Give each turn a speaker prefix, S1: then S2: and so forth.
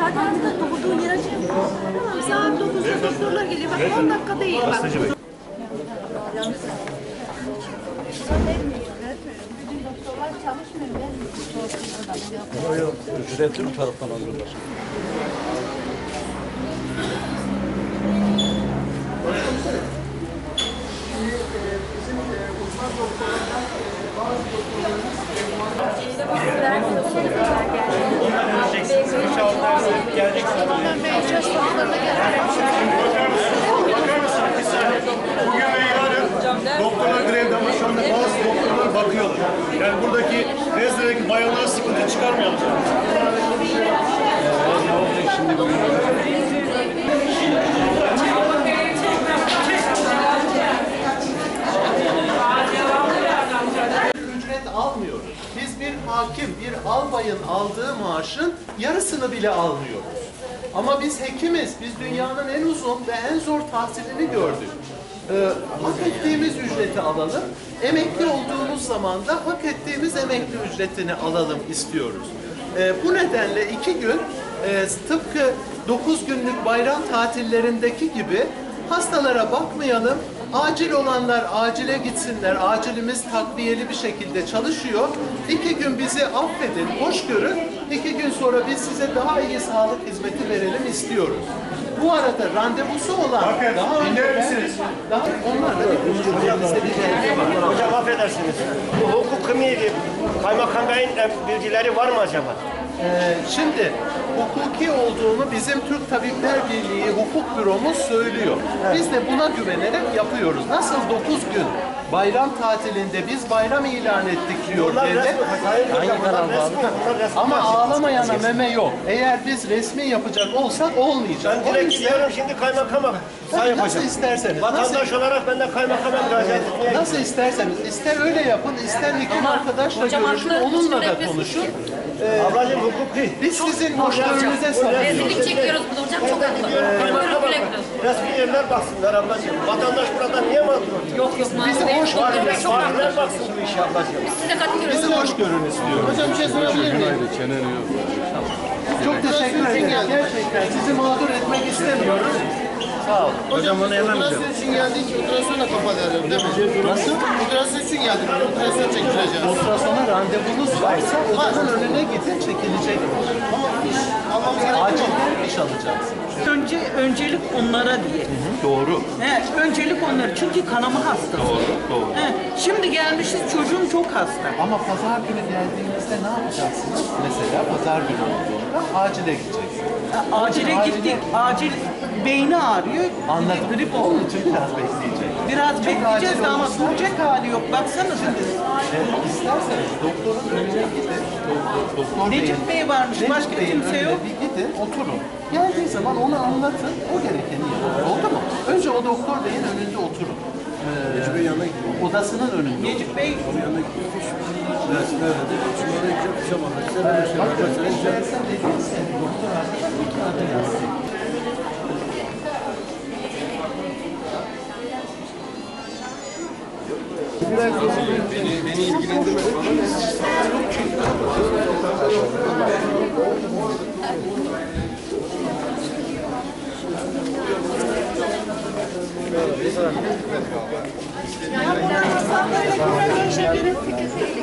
S1: saat 6'da doğduğun yere şey yapıyor. Tamam, saat 9'da doktorlar geliyor. Bak 10 dakika değil bak. Bütün doktorlar çalışmıyor.
S2: Yok, ücretli bir taraftan alıyorlar.
S3: Bugün ve yarın doktorlar grevde ama şu anda bazı doktorlar bakıyorlar. Yani buradaki rezdeki bayanlara sıkıntı çıkarmayalım.
S2: Ne olacak şimdi bugün?
S4: Ücret almıyoruz. Biz bir hakim, bir albayın aldığı maaşın yarısını bile almıyoruz. Ama biz hekimiz, biz dünyanın en uzun ve en zor tahsilini gördük. Hak ettiğimiz ücreti alalım, emekli olduğumuz zaman da hak ettiğimiz emekli ücretini alalım istiyoruz. Bu nedenle 2 gün tıpkı 9 günlük bayram tatillerindeki gibi hastalara bakmayalım, acil olanlar acile gitsinler, acilimiz takviyeli bir şekilde çalışıyor. 2 gün bizi affedin, hoş görün, 2 gün sonra biz size daha iyi sağlık hizmeti verelim istiyoruz. Bu arada randevusu olan
S3: Bakın, dinler misiniz?
S4: Onlar da bir bizde bir tehlike var.
S5: Hocam affedersiniz. Bu hukuki kaymakam beyin bilgileri var mı acaba?
S4: Şimdi hukuki olduğunu bizim Türk Tabipler Birliği Hukuk Büromuz söylüyor. Biz de buna güvenerek yapıyoruz. Nasıl 9 gün bayram tatilinde biz bayram ilan ettik diyor devlet.
S5: Hangi kanal abi?
S4: Ama ağlamayana meme yok. Eğer biz resmi yapacak olsak olmayacak.
S5: Ben
S4: O
S5: direkt
S4: yüzden
S5: gidiyorum şimdi kaymakama. Sayın
S4: nasıl
S5: hocam.
S4: isterseniz.
S5: Vatandaş olarak ben de kaymakama müracaat etmeye
S4: Nasıl isterseniz. İster öyle yapın, ister hekim arkadaşla görüşün, onunla da konuşun.
S5: Ablacığım hukuki.
S4: Biz sizin hoşgörünüze sarılıyoruz.
S1: Rezillik çekiyoruz burada hocam, çok haklı.
S5: Kaymakama resmi yerler baksınlar ablacığım. Vatandaş burada niye mağdur oluyor?
S1: Yok yok,
S4: Bizi hoş görün.
S1: çok haklı.
S5: Valiler baksın bu işe ablacığım.
S1: Size katılıyoruz.
S4: Bizi hoş görün istiyoruz.
S6: Hocam bir şey sorabilir miyim?
S2: Çenen yok.
S4: Çok teşekkür ederim. Gerçekten sizi mağdur etmek istemiyoruz. Sağ olun.
S6: Hocam operasyon için geldik, operasyonla kapalı herhalde değil mi?
S4: Nasıl?
S6: Operasyon için geldik, operasyon çektireceğiz.
S4: Ultrasona randevunuz varsa odanın önüne gidin, çekilecek.
S6: Ama iş almamız gerekiyor mu?
S4: Acilden iş alacaksınız.
S7: Öncelik onlara diye.
S4: Doğru.
S7: Öncelik onlara çünkü kanama hastası.
S4: Doğru.
S7: Şimdi gelmişiz, çocuğum çok hasta.
S4: Ama pazar günü geldiğinizde ne yapacaksınız? Mesela pazar günü olduğunda acile gideceksiniz.
S7: Acile gittik, acil beyni ağrıyor.
S4: Anladım.
S7: Grip
S4: Onun
S7: oldu.
S4: için biraz bekleyeceğiz.
S7: Biraz bekleyeceğiz
S4: acil
S7: de ama
S4: olursa-
S7: duracak hali yok. Baksanıza.
S4: İsterseniz doktorun önüne gidin. Doktor
S7: Necip Bey varmış, başka
S4: Bey'in
S7: kimse
S4: önüne
S7: yok.
S4: Bir gidin, oturun. Geldiği zaman onu anlatın, o gerekeni yapın. Oldu mu? Önce o doktor beyin önünde oturun. Necip Bey yanına gidin. Odasının önünde.
S7: Necip Bey
S4: Sen dediyse doktor arkadaş bir kağıda yazsın.
S6: Beni ilgilendirmez.
S1: Yani Hasan böyle güzel bir şey, benim fikrim değil.